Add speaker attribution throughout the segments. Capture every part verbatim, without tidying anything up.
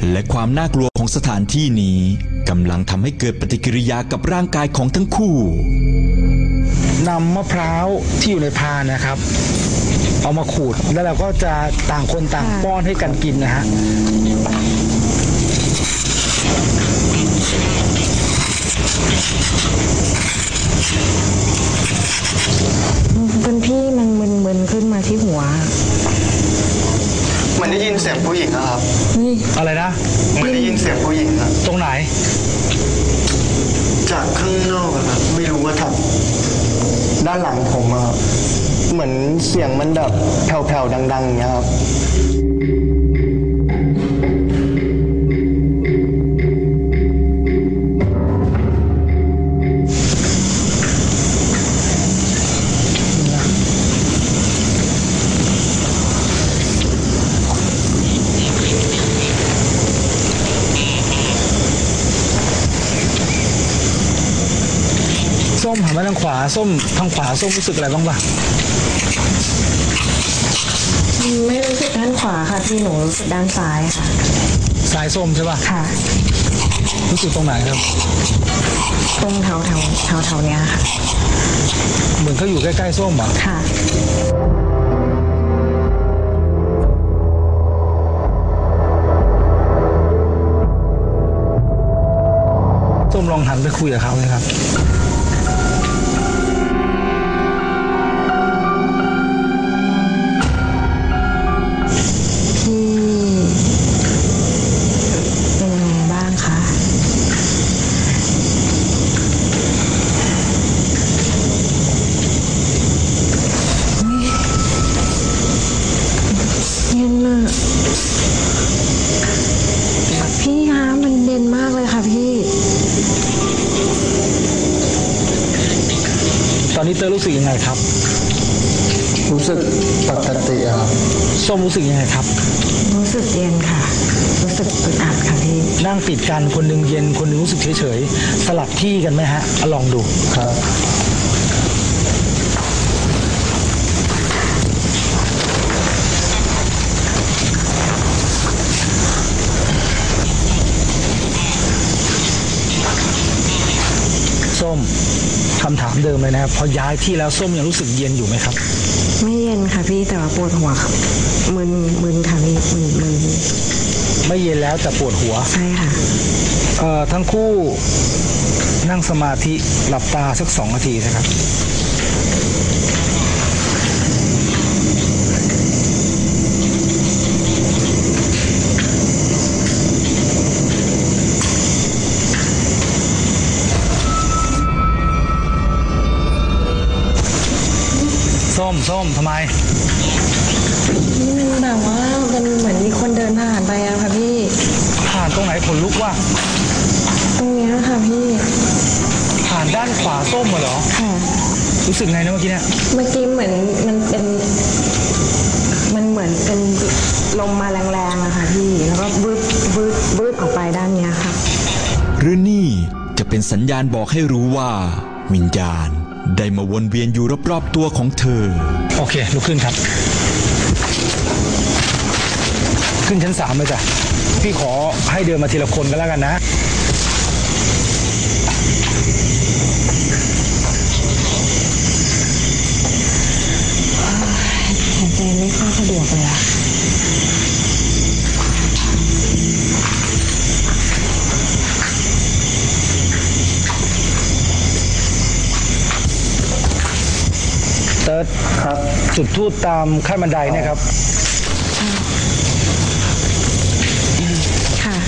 Speaker 1: และความน่ากลัวของสถานที่นี้กำลังทำให้เกิดปฏิกิริยากับร่างกายของทั้งคู่
Speaker 2: นำมะพร้าวที่อยู่ในพานนะครับเอามาขูดแล้วเราก็จะต่างคนต่างป้อนให้กันกินนะฮะ
Speaker 3: เป็นพี่มันมึนๆขึ้นมาที่หัว
Speaker 4: มันได้ยินเสียงผู้หญิงนะครับ
Speaker 2: นี่อะไรนะ
Speaker 4: มันได้ยินเสียงผู้หญิงครับ
Speaker 2: ตรงไหน
Speaker 4: จากข้างนอกครับไม่รู้ว่าทำด้านหลังผมอะเหมือนเสียงมันแบบแผ่วๆดังๆอย่างเงี้ยครับ
Speaker 2: ส้มหันมาทางขวาส้มทางขวาส้มรู้สึกอะไรบ้างปะ
Speaker 3: ไม่รู้สึกด้านขวาค่ะพี่หนูรู้สึกด้านซ้ายค่ะ
Speaker 2: ซ้ายส้มใช่ปะ
Speaker 3: ค่ะ
Speaker 2: รู้สึกตรงไหนครับ
Speaker 3: ตรงแถวแถวแถวแถวเนี้ยค่ะ
Speaker 2: เหมือนเขาอยู่ใกล้ๆส้มอ่ะ
Speaker 3: ค่ะ
Speaker 2: ส้มลองหันไปคุยกับเขาเลยครับ
Speaker 3: พี่คะมันเด่นมากเลยค่ะพี่
Speaker 2: ตอนนี้เตอร์รู้สึกยังไงครับ
Speaker 4: รู้สึกปกติครับ
Speaker 2: ส้มรู้สึกยังไงครับ
Speaker 3: รู้สึกเย็นค่ะรู้สึกอึดอัดค่ะพี่
Speaker 2: นั่งติดกันคนหนึ่งเย็นคนหนึ่งรู้สึกเฉยๆสลับที่กันไหมฮะลองดู
Speaker 4: ครับ
Speaker 2: ส้มคำถามเดิมเลยนะครับพอย้ายที่แล้วส้มยังรู้สึกเย็นอยู่ไหมครับ
Speaker 3: ไม่เย็นค่ะพี่แต่ว่าปวดหัวครับมึนมึนค่ะพี่มึนมึน
Speaker 2: ไม่เย็นแล้วแต่ปวดหัว
Speaker 3: ใช่ค่ะ
Speaker 2: เอ่อทั้งคู่นั่งสมาธิหลับตาสักสองนาทีนะครับส้มส้มทำไม
Speaker 3: นี่มันแบบว่ามันเหมือนมีคนเดินผ่านไปอะค่ะพี่
Speaker 2: ผ่านตรงไหนขนลุกว่ะ
Speaker 3: ตรงนี้ค่ะพี่
Speaker 2: ผ่านด้านขวาส้มเหรอ
Speaker 3: ค่ะ
Speaker 2: รู้สึกไงนะเมื่อกี้เนี่ย
Speaker 3: เมื่อกี้เหมือนมันเป็นมันเหมือนเป็นลมมาแรงๆอะค่ะพี่แล้วก็บึ้บบึ้บบึ้บออกไปด้านนี้ค่ะ
Speaker 1: หรือนี่จะเป็นสัญญาณบอกให้รู้ว่าวิญญาณได้มาวนเวียนอยู่รอบๆตัวของเธอ
Speaker 2: โอเคลุกขึ้นครับขึ้นชั้นสามเลยจ้ะพี่ขอให้เดินมาทีละคนก็แล้วกันนะ
Speaker 3: หายใจไม่ค่อยสะดวกเลยอะ
Speaker 2: เติร์ดครับจุดธูปตามขั้นบันไดเนี่ยครับ
Speaker 3: ค่ะ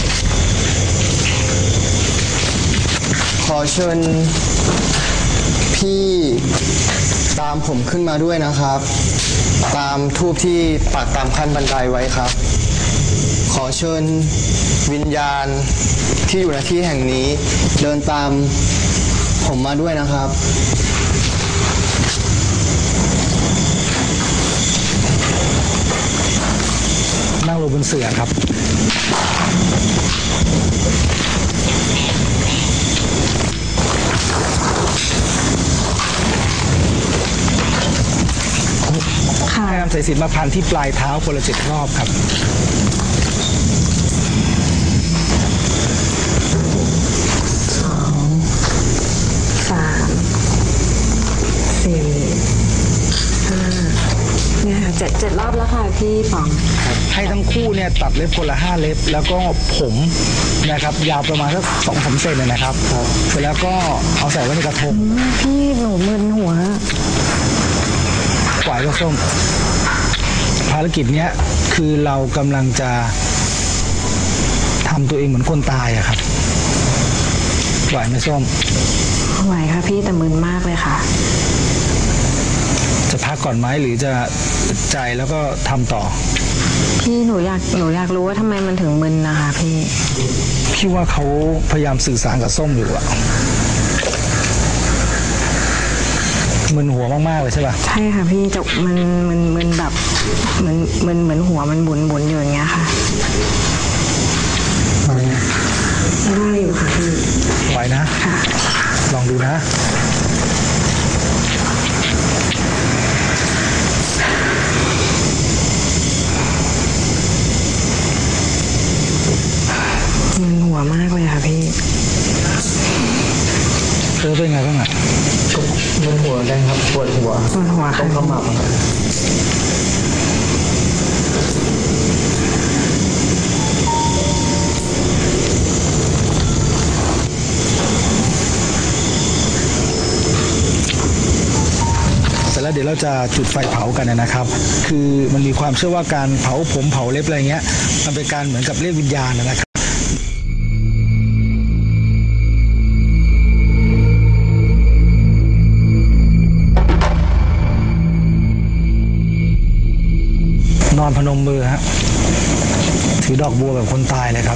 Speaker 4: ขอเชิญพี่ตามผมขึ้นมาด้วยนะครับตามธูปที่ปักตามขั้นบันไดไว้ครับขอเชิญวิญญาณที่อยู่ในที่แห่งนี้เดินตามผมมาด้วยนะครับ
Speaker 2: นั่งลงบนเสื่อครับ
Speaker 3: ค่ะ
Speaker 2: นำสายสิญจน์มาพันที่ปลายเท้าคนละเจ็ดรอบครับ
Speaker 3: เจ็ดรอบแล้วค่ะพี่ป๋อง
Speaker 2: ให้ทั้งคู่เนี่ยตัดเล็บคนละห้าเล็บแล้วก็ผมนะครับยาวประมาณสักสองสามเซนเลยนะครับเสร็จแล้วก็เอาใส่ไว้ในกระทง
Speaker 3: พี่หนูมึนหัว
Speaker 2: ปล่อยก็ส้มภารกิจเนี้ยคือเรากำลังจะทำตัวเองเหมือนคนตายอะครับไหวไหมส้ม
Speaker 3: ไหวค่ะพี่แต่มึนมากเลยค่ะ
Speaker 2: จะพักก่อนไหมหรือจะใจแล้วก็ทำต่อ
Speaker 3: พี่หนูอยากหนูอยากรู้ว่าทำไมมันถึงมึนนะคะพี่
Speaker 2: พี่ว่าเขาพยายามสื่อสารกับส้มอยู่อะมึนหัวมากๆเลยใช่ป่ะ
Speaker 3: ใช่ค่ะพี่จะมันมันมันแบบเหมือนมันเหมือนหัวมันบุนบุนอยู่อย่างเงี้ยค่ะได้อยู่ค่ะพี่
Speaker 2: ไหวนะ
Speaker 3: ค่ะ
Speaker 2: ลองดูนะ
Speaker 3: มึนหัวมากเลยค่ะพี่
Speaker 2: เออเป็นไงบ้างอะ
Speaker 4: มันหัวแดงครับปวดหัว
Speaker 3: ปวดหัว
Speaker 4: ต้
Speaker 3: ค่ะ
Speaker 4: องขมับครับ
Speaker 2: เสร็จแล้วเดี๋ยวเราจะจุดไฟเผากันนะครับ คือมันมีความเชื่อว่าการเผาผมเผาเล็บอะไรเงี้ยมันเป็นการเหมือนกับเรียกวิญญาณนะครับนอนพนมมือฮะถือดอกบัวแบบคนตายเลยครับ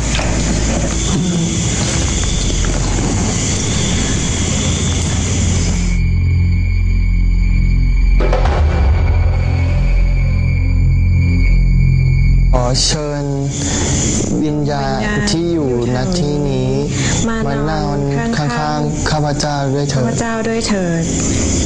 Speaker 4: ขอเชิญวิญญาณที่อยู่ณที่นี้มานอนข้างๆข้าพเจ้าด้วยเถิ
Speaker 3: ข้าพ
Speaker 4: ด
Speaker 3: เจ้าด้วยเถิด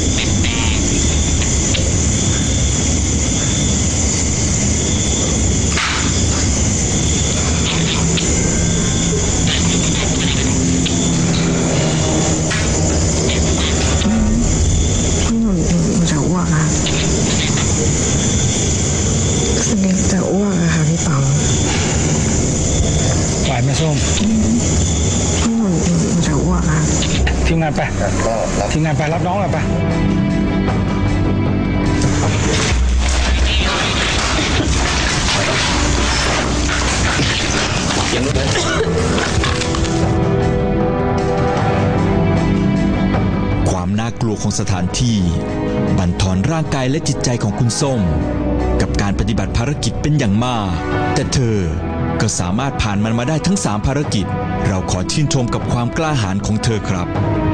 Speaker 3: พี่หนูหนูจะอ้วกค่ะรู้สึกจะอ้วกอะค่ะพี่ป๋อง
Speaker 2: ไหวไหมส้ม
Speaker 3: พี่หนูหนูจะอ้วกค่ะ
Speaker 2: ทีมงานไปทีมงานไปรับน้องหน่อยไป
Speaker 1: ความน่ากลัวของสถานที่บั่นทอนร่างกายและจิตใจของคุณส้มกับการปฏิบัติภารกิจเป็นอย่างมากแต่เธอก็สามารถผ่านมันมาได้ทั้งสามภารกิจเราขอชื่นชมกับความกล้าหาญของเธอครับ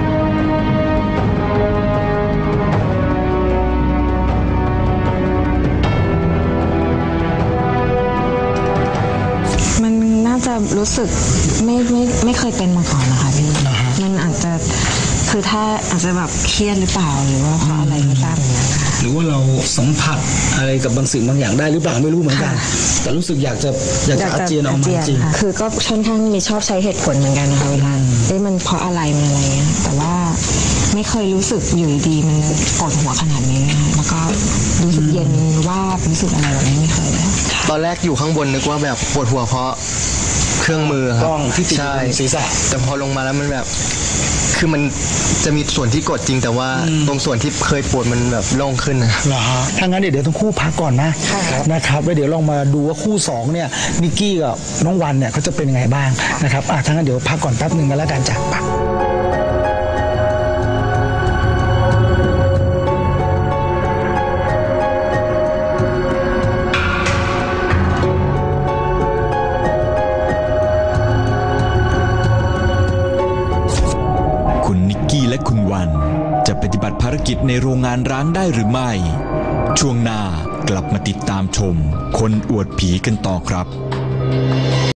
Speaker 3: มันน่าจะรู้สึกไม่ไม่ไม่เคยเป็นมาก่อนนะคะพี่มันอาจจะคือถ้าอาจจะแบบเครียดหรือเปล่าหรือว่าเพราะอะไรไม่ทราบเหมือนกันค่ะ
Speaker 2: หรือว่าเราสัมผัสอะไรกับบางสิ่งบางอย่างได้หรือเปล่าไม่รู้เหมือนกัน
Speaker 3: ค่ะ
Speaker 2: แต่รู้สึกอยากจะอยากจะอาเจียนออกมาจริง
Speaker 3: ค่ะคือก็ค่อนข้างมีชอบใช้เหตุผลเหมือนกันนะคะเวลาเอ้ยมันเพราะอะไรมันอะไรเงี้ยแต่ว่าไม่เคยรู้สึกอยู่ดีๆมันปวดหัวขนาดนี้นะคะแล้วก็รู้สึกเย็นว่าบรู้สึกอะไรแบบนี้ไม่เคยเลย
Speaker 4: ตอนแรกอยู่ข้างบนนึกว่าแบบปวดหัวเพราะเครื่องมือค
Speaker 2: ก
Speaker 4: รับ
Speaker 2: ล้องที่ติดอยู่
Speaker 4: ใช่
Speaker 2: บนศีรษะ
Speaker 4: แต่พอลงมาแล้วมันแบบ คือมันจะมีส่วนที่กดจริงแต่ว่าตรงส่วนที่เคยปวดมันแบบโล่งขึ้นนะ
Speaker 2: เหรอฮะถ้างั้นเดี๋ยวเดี๋ยวทั้งคู่พักก่อนนะนะครับแล้วเดี๋ยวลองมาดูว่าคู่สองเนี่ยนิกกี้กับน้องวันเนี่ยเขาจะเป็นยังไงบ้างนะครับอ่ะถ้างั้นเดี๋ยวพักก่อนแป๊บหนึ่งกันแล้วกันจ้ะไป
Speaker 1: คุณนิกกี้และคุณวันจะปฏิบัติภารกิจในโรงงานร้างได้หรือไม่ ช่วงหน้ากลับมาติดตามชมคนอวดผีกันต่อครับ